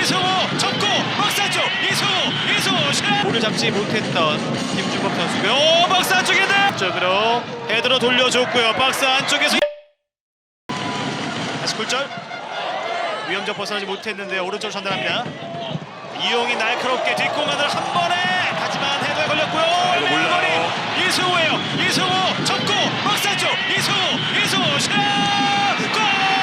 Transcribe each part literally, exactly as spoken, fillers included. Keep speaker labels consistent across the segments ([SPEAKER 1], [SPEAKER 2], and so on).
[SPEAKER 1] 이승우 접고 박스 쪽 이승우 이승우 슛! 볼을 잡지 못했던 김준범 선수고요. 오, 박스 안쪽인데 쪽으로 헤드로 돌려줬고요. 박스 안쪽에서 다시 굴절. 위험적 벗어나지 못했는데 오른쪽 전달합니다. 이용이 날카롭게 뒷공간을 한 번에 하지만 헤드에 걸렸고요.
[SPEAKER 2] 몰라요.
[SPEAKER 1] 이승우예요. 이승우 접고 박스 안쪽 이승우 이승우 슛! 골!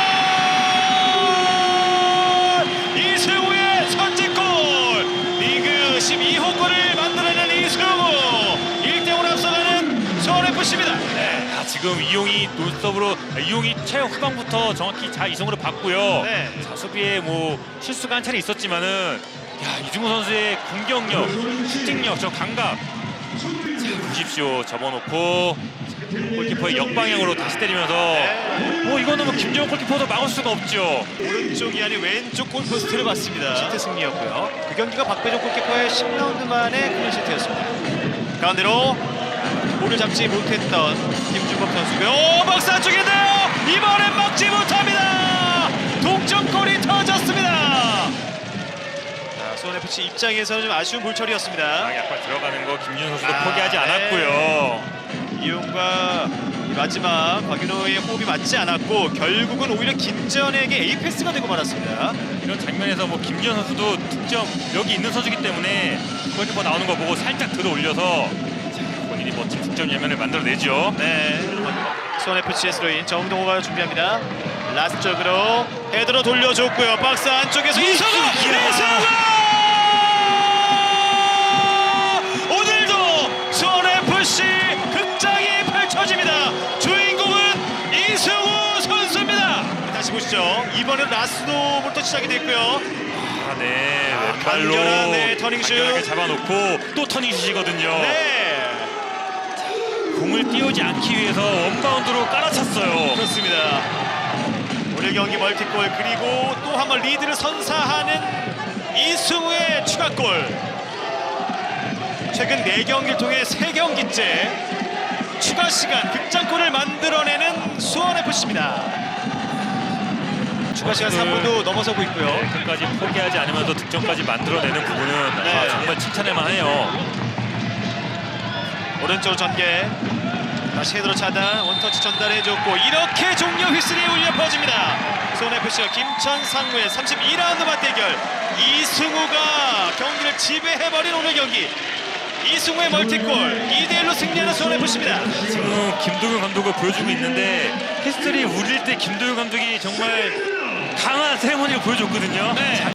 [SPEAKER 1] 이승우의 선제골! 리그 십이 호 골을 만들어낸 이승우! 일 대 오로 앞서가는 서울에프씨입니다.
[SPEAKER 2] 네, 아, 지금 이용이 논스톱으로 이용이 최후 후반부터 정확히 잘 이성으로 봤고요.
[SPEAKER 1] 네.
[SPEAKER 2] 자, 수비에 뭐 실수가 한 차례 있었지만은 야, 이승우 선수의 공격력, 슈팅력, 저 감각. 자, 보십시오. 접어놓고 골키퍼의 역방향으로 다시 때리면서
[SPEAKER 1] 네.
[SPEAKER 2] 뭐 이거는 뭐 김정은 골키퍼도 막을 수가 없죠.
[SPEAKER 1] 오른쪽이 아닌 왼쪽 골포스트를 봤습니다. 시트 승리였고요. 그 경기가 박배종 골키퍼의 십 라운드 만에 클린시트였습니다. 가운데로 볼을 잡지 못했던 김준범 선수고요. 오, 박스 안쪽인데요. 이번엔 막지 못합니다. 동점골이 터졌습니다. 자, 수원에프씨 입장에서는 좀 아쉬운 볼처리였습니다.
[SPEAKER 2] 아, 약간 들어가는 거 김준 선수도
[SPEAKER 1] 아,
[SPEAKER 2] 포기하지
[SPEAKER 1] 네.
[SPEAKER 2] 않았고요.
[SPEAKER 1] 이용과 마지막 곽윤호의 호흡이 맞지 않았고 결국은 오히려 김재현에게 에이패스가 되고 말았습니다.
[SPEAKER 2] 이런 장면에서 뭐 김지현 선수도 득점 여기 있는 선수기 때문에 골키퍼 나오는 거 보고 살짝 들어 올려서 본인이 멋진 득점 장면을 만들어내죠.
[SPEAKER 1] 네, 수원에프씨의 스로인 정동호가 준비합니다. 라스트 쪽으로 헤드로 돌려줬고요. 박스 안쪽에서 이승우! 이승우! 오늘도 수원에프씨 극장이 펼쳐집니다. 주인공은 이승우 선수입니다. 다시 보시죠. 이번엔 라스도부터 시작이 됐고요.
[SPEAKER 2] 아, 네,
[SPEAKER 1] 아,
[SPEAKER 2] 왼발로
[SPEAKER 1] 간결한, 네, 터닝슛.
[SPEAKER 2] 간결하게 잡아놓고 또 터닝슛이거든요.
[SPEAKER 1] 네,
[SPEAKER 2] 공을 띄우지 않기 위해서 원바운드로 깔아찼어요.
[SPEAKER 1] 그렇습니다. 오늘 경기 멀티골 그리고 또 한 번 리드를 선사하는 이승우의 추가골. 최근 네 경기를 통해 세 경기째 추가 시간 극장골을 만들어내는 수원에프씨입니다. 추가 시간 삼 분도 넘어서고 있고요.
[SPEAKER 2] 네, 끝까지 포기하지 않으면서 득점까지 만들어내는 부분은
[SPEAKER 1] 네.
[SPEAKER 2] 아, 정말 칭찬해만 해요.
[SPEAKER 1] 오른쪽 전개 다시 헤드로 차단 원터치 전달해줬고 이렇게 종료 휘슬이 울려 퍼집니다. 수원에프씨와 김천 상무의 삼십이 라운드 맞대결. 이승우가 경기를 지배해버린 오늘 경기. 이승우의 멀티골 이 대 일로 승리하는 수원에프씨입니다.
[SPEAKER 2] 지금 김도균 감독을 보여주고 있는데 히스토리 울릴 때 김도균 감독이 정말 강한 세레머니를 보여줬거든요.
[SPEAKER 1] 네.
[SPEAKER 2] 자,